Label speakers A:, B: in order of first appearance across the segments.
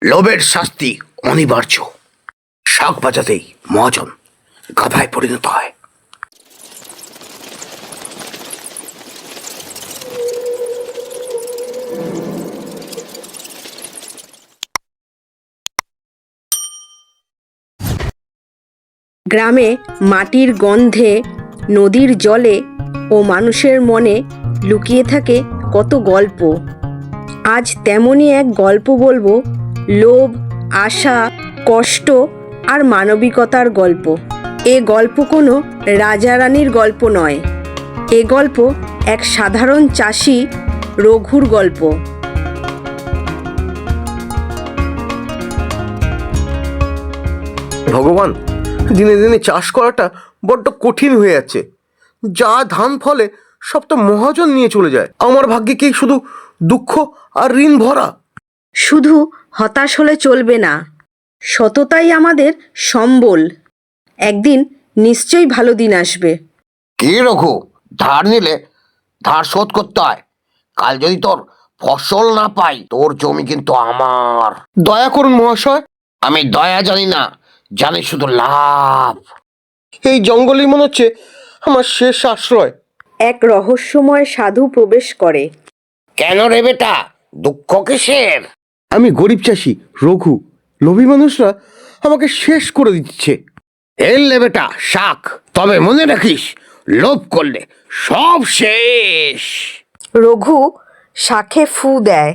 A: লোভের শাস্তি অনিবার্য। শাক বাজাতেই মহাজন গাধায় পরিণত হয়।
B: গ্রামে মাটির গন্ধে, নদীর জলে ও মানুষের মনে লুকিয়ে থাকে কত গল্প। আজ তেমনই এক গল্প বলবো, লোভ, আশা, কষ্ট আর মানবিকতার গল্প। এ গল্প কোনো রাজা রানীর গল্প নয়, এ গল্প এক সাধারণ চাষি রঘুর গল্প।
A: ভগবান, দিনে দিনে চাষ করাটা বড্ড কঠিন হয়ে যাচ্ছে। যা ধান ফলে সব তো মহাজন নিয়ে চলে যায়। আমার ভাগ্যে কি শুধু দুঃখ আর ঋণ ভরা?
B: শুধু হতাশ হলে চলবে না, সততাই আমাদের সম্বল। একদিন নিশ্চয়ই ভালো দিন আসবে।
C: কি রঘু, ধার নিলে ধার শোধ করতে হয়। কাল যদি তোর ফসল না পাই, তোর জমি কিন্তু আমার।
A: দয়া করুন মহাশয়।
C: আমি দয়া জানি না, জানি শুধু লাভ।
A: এই জঙ্গলই মনে হচ্ছে আমার শেষ আশ্রয়।
B: এক রহস্যময় সাধু প্রবেশ করে।
C: কেন রে বেটা, দুঃখ কিসের?
A: আমি গরিব চাষি রঘু। লোভী মানুষরা আমাকে শেষ করে দিচ্ছে।
C: এলে বেটা শাক, তবে মনে রাখিস, লোভ করলে সব শেষ।
B: রঘু শাকে ফু দেয়।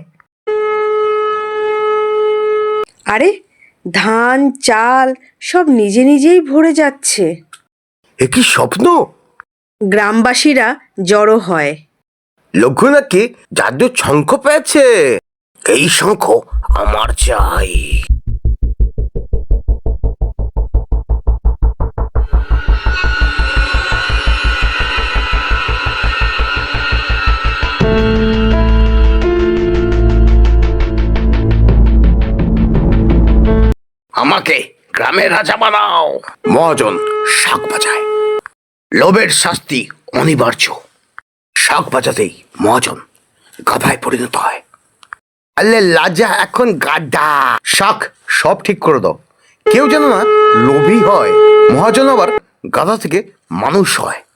B: আরে, ধান চাল সব নিজে নিজেই ভরে যাচ্ছে।
A: এ কি স্বপ্ন?
B: গ্রামবাসীরা জড়ো হয়।
A: লঘু নাকি জাদু শঙ্খ পেয়েছে।
C: এই শঙ্খ আমার চাই। আমাকে গ্রামের রাজা বানাও।
A: মহাজন শাক বাজায়। লোভের শাস্তি অনিবার্য। শাক বাজাতেই মহাজন গাধায় পরিণত হয়। আলে লাজা এখন গাধা। শাক সব ঠিক করে দাও। কেউ যেন না লোভী হয়। মহাজন আবার গাধা থেকে মানুষ হয়।